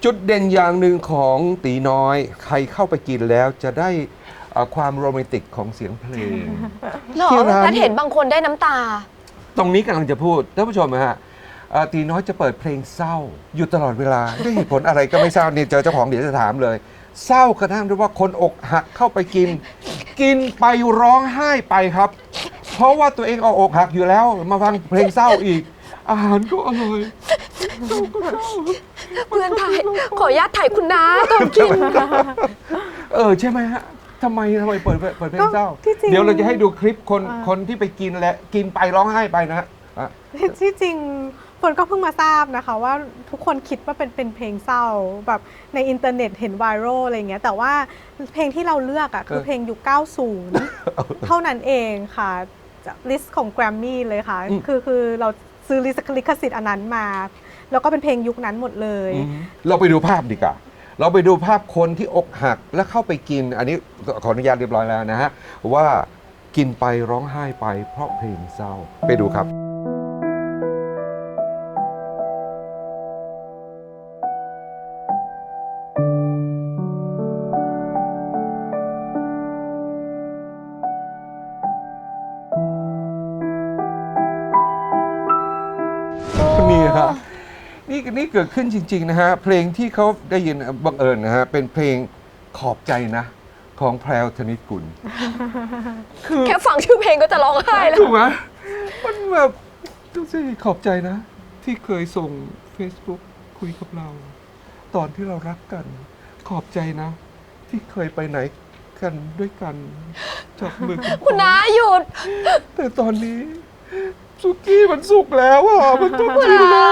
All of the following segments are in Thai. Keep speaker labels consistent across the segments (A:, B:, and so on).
A: จุดเด่นอย่างหนึ่งของตีน้อยใครเข้าไปกินแล้วจะได้ความโรแมนติกของเสียงเพลง
B: หรอ
A: ที่ร้าน
B: แพทย์เห็นบางคนได้น้ำตา
A: ตรงนี้กำลังจะพูดท่านผู้ชมนะฮะตีน้อยจะเปิดเพลงเศร้าอยู่ตลอดเวลาด้วยเหตุผลอะไรก็ไม่ทราบนี่เจอเจ้าของเดี๋ยวจะถามเลย เศร้ากระทั่งด้วยว่าคนอกหักเข้าไปกิน กินไปร้องไห้ไปครับ เพราะว่าตัวเองเอาอกหักอยู่แล้วมาฟังเพลงเศร้าอีก อาหารก็อร่อย
B: เพื่อนถ่ายขออนุญาตถ่ายคุณน้าตอนกิน
A: ใช่ไหมฮะทำไมเปิดเพลงเศร้า
C: ที่จริง
A: เดี๋ยวเราจะให้ดูคลิปคนที่ไปกินและกินไปร้องไห้ไปนะฮะ
C: ที่จริงฝนก็เพิ่งมาทราบนะคะว่าทุกคนคิดว่าเป็นเพลงเศร้าแบบในอินเทอร์เน็ตเห็นไวรัลอะไรเงี้ยแต่ว่าเพลงที่เราเลือกคือเพลงยุค 90 เท่านั้นเองค่ะลิสต์ของแกรมมี่เลยค่ะคือเราซื้อลิขสิทธิ์อันนั้นมา แล้วก็เป็นเพลงยุคนั้นหมดเลย
A: เราไปดูภาพดีกว่าเราไปดูภาพคนที่อกหักแล้วเข้าไปกิน อันนี้ขออนุญาตเรียบร้อยแล้วนะฮะว่ากินไปร้องไห้ไปเพราะเพลงเศร้าไปดูครับนี่ฮะนี่เกิดขึ้นจริงๆนะฮะเพลงที่เขาได้ยินบังเอิญนะฮะเป็นเพลงขอบใจนะของแพรวธนิตกุล
B: แค่ฟังชื่อเพลงก็จะร้องไห้แล้ว
A: ถูกไหมมันแบบดูสิขอบใจนะ ที่เคยส่ง Facebook คุยกับเรา ตอนที่เรารักกัน ขอบใจนะ ที่เคยไปไหนกันด้วยกันจับมือกัน
B: คุณน้าหยุด
A: แต่ตอนนี้สุกี้มันสุกแล้วอ่ะมันต้องกินแล้ว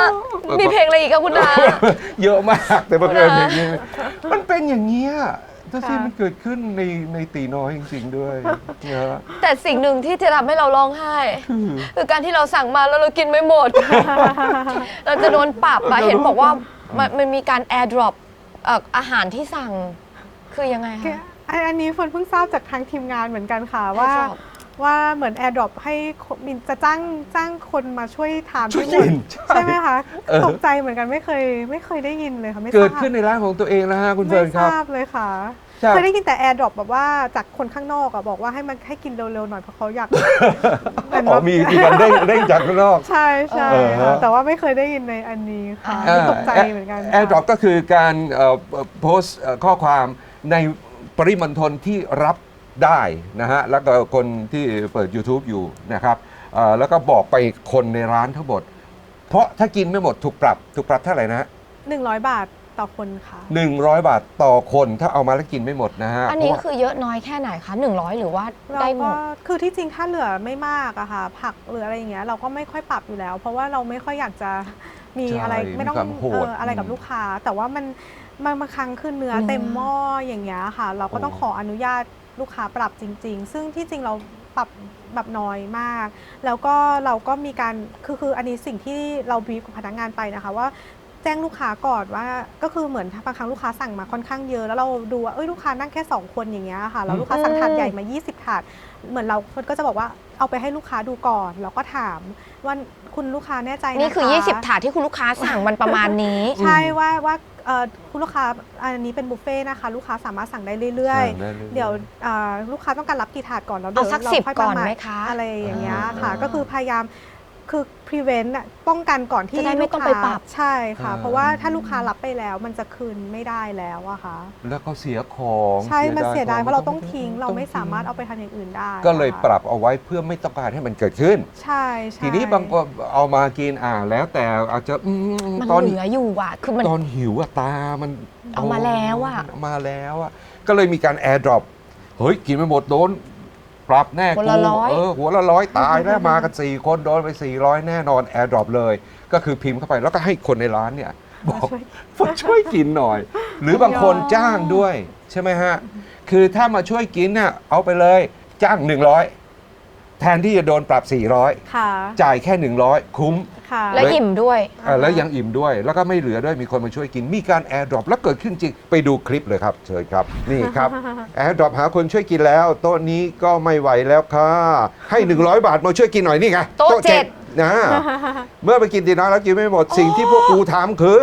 B: มีเพลงอะไรอีกอะคุณน้า
A: เยอะมากแต่บังเอิญอย่างนี้มันเป็นอย่างเงี้ยถ้าที่มันเกิดขึ้นในตีน้อยจริงๆด้วยนะ
B: แต่สิ่งหนึ่งที่จะทำให้เราร้องไห้ คือการที่เราสั่งมาแล้วเรากินไม่หมด เราจะโดนปรับอะเห็นบอกว่ามันมีการแอร์ดรอปอาหารที่สั่งคือยังไงคะ
C: อันนี้ฝนเพิ่งทราบจากทางทีมงานเหมือนกันค่ะว่าเหมือน AirDrop ให้จะจ้างคนมาช่วยทาน
A: ช่วย
C: ทั้งหม
A: กิ
C: ด
A: น
C: ใช่ไหมคะตกใจเหมือนกันไม่เคยได้ยินเลยค่ะไม่ทราบ
A: เกิดขึ้นในร้านของตัวเองนะฮะคุณเฟิร์นครับ
C: ไม่ทราบเลยค่ะ
A: ครับ
C: เคยได้ยินแต่ AirDrop แบบว่าจากคนข้างนอกอะบอกว่าให้กินเร็วๆหน่อยเพราะเขาอยาก
A: อ๋อมีการเด้งจากข้างนอก
C: ใช่ใช่
A: ฮะ
C: ค่ะแต่ว่าไม่เคยได้ยินในอันนี้ค่ะตกใจเหมือนกัน
A: แอร์ดรอปก็คือการโพสต์ข้อความในปริมณฑลที่รับได้นะฮะแล้วก็คนที่เปิด YouTube อยู่นะครับแล้วก็บอกไปคนในร้านทั้งหมด เพราะถ้ากินไม่หมดถูกปรับเท่าไหร่นะฮะ
C: 100 บาทต่อคนค่ะ
A: 100 บาทต่อคนถ้าเอามาแล้วกินไม่หมดนะฮะ
B: อันนี้
A: เพราะว่า
B: คือเยอะน้อยแค่ไหนคะ100หรือว่า
C: เรา
B: ได้หม
C: ก็
B: ด
C: คือที่จริงถ้าเหลือไม่มากอะค่ะผักหรืออะไรอย่างเงี้ยเราก็ไม่ค่อยปรับอยู่แล้ว เพราะว่าเราไม่ค่อยอยากจะมี
A: ใช่
C: อะไรไม่ต้อง
A: มีความโหด
C: อะไรกับลูกค้า แต่ว่ามันบางครั้งคือเนื้อเต็มหม้ออย่างเงี้ยค่ะ เราก็ต้องขออนุญาตลูกค้าปรับจริง ๆ ซึ่งที่จริงเราปรับแบบน้อยมาก แล้วก็เราก็มีการคืออันนี้สิ่งที่เราบีฟกับพนักงานไปนะคะว่า แจ้งลูกค้าก่อนว่าก็คือเหมือนบางครั้งลูกค้าสั่งมาค่อนข้างเยอะแล้วเราดูว่าลูกค้านั่งแค่2คนอย่างเงี้ยค่ะแล้วลูกค้าสั่งถาดใหญ่มา20ถาดเหมือนเราก็จะบอกว่าเอาไปให้ลูกค้าดูก่อนแล้วก็ถามว่าคุณลูกค้าแน่ใจนะคะ
B: นี่คือ20ถาดที่คุณลูกค้าสั่งมันประมาณนี้
C: ใช่ว่าคุณลูกค้าอันนี้เป็นบุฟเฟ่ต์นะคะลูกค้าสามารถสั่งได้เรื่อย
A: สั่งได้เรื่อยๆ
C: เดี๋ยวลูกค้าต้องการรับกี่ถาดก่อนแล้ว
B: เอาสัก
C: เราค่อย
B: 10ก่อน
C: ประาณ
B: ไหมคะ
C: อะไรอย่างเงี้ยค่ะก็คือพยายามคือ prevent อะป้องกันก่อนที่
B: จะได้ไม่ต้องไปปรับ
C: ใช่ค่ะ เพราะว่าถ้าลูกค้ารับไปแล้วมันจะคืนไม่ได้แล้วอะค่ะ
A: แล้วก็เสียของ
C: ใช่มันเสียดาย
A: ข
C: เพราะเราต้องทิ้งเราไม่สามารถเอาไปทานอย่างอื่นได้
A: ก็เลย
C: ค่ะ
A: ปรับเอาไว้เพื่อไม่ต้องการให้มันเกิดขึ้น
C: ใช่ใช่
A: ทีนี้บางคนเอามากินแล้วแต่อาจจะ
B: มัน
A: ตอน
B: เหลืออยู่อะคือมัน
A: ตอนหิวอะตามัน
B: เอามาแล้วอะ
A: เอามาแล้วอะก็เลยมีการแอร์ดรอปเฮ้ยกินไม่หมดโดนปรับแน่
B: หัวละร้อย
A: หัวละ100ตายแล้วมากัน4คนโดนไป400แน่นอนแอร์ดรอปเลยก็คือพิมพ์เข้าไปแล้วก็ให้คนในร้านเนี่ยบอกมาช่วยกินหน่อย หรือบางคนจ้างด้วยใช่ไหมฮะคือถ้ามาช่วยกินเนี่ยเอาไปเลยจ้าง100แทนที่จะโดนปรับ400
C: ค่ะ
A: จ่ายแค่100คุ้ม
C: ค่ะ
B: และอิ่มด้วย
A: แล้วยังอิ่มด้วย แล้วก็ไม่เหลือด้วยมีคนมาช่วยกิน มีการแอร์ดรอปแล้วเกิดขึ้นจริง ไปดูคลิปเลยครับ เชิญครับ นี่ครับแอร์ดรอปหาคนช่วยกินแล้ว โต๊ะนี้ก็ไม่ไหวแล้วค่ะให้ 100 บาทมาช่วยกินหน่อยนี่ไง
B: โต๊ะเจ็ด
A: นะเมื่อไปกินตีน้อยแล้วกินไม่หมดสิ่งที่พวกกูทำคือ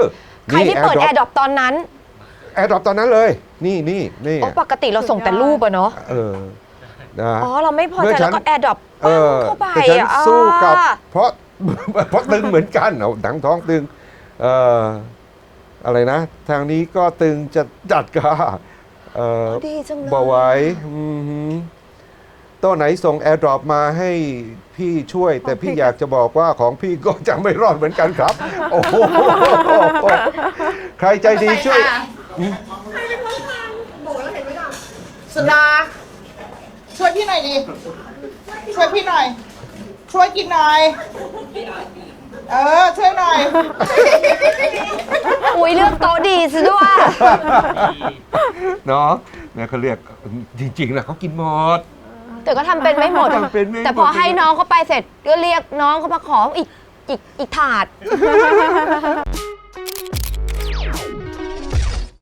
B: ใครที่เปิด AirDrop ตอนนั้น
A: แอร์ดรอปตอนนั้นเลย นี่
B: อ๋อปกติเราส่งแต่รูปอะเนาะ
A: นะ
B: อ๋อ เราไม่พอใจแล้วก็ AirDrop
A: เอ
B: ปั้ง
A: อ
B: เข้าไป
A: แต่ฉัน
B: อ่ะ
A: สู้กับ เพราะ เพราะตึงเหมือนกันเอาหนังท้องตึงอะไรนะ ทางนี้ก็ตึงจะจัดก็
B: ดีจังเลย
A: บ่ไหวตัวไหนส่ง AirDrop มาให้พี่ช่วย แต่พี่อยากจะบอกว่าของพี่ก็จะไม่รอดเหมือนกันครับ โอ้โหใครใจดีช่วย
D: สุดาช่วยพี่หน่อยดิ ช่วยพี่หน่อย ช่วยกินหน่อย ช่วยหน่อย
B: อุ้ยเลือกโต๊ะดีซะด้วย
A: เนาะเนี่ยเขาเรียกจริงๆนะเขากินหมด
B: แต่ก็ทำเป็นไม่หมด
A: ทำเป็นไม่หมด
B: แต่พอให้น้องเขาไปเสร็จก็เรียกน้องเขามาขออีกถาด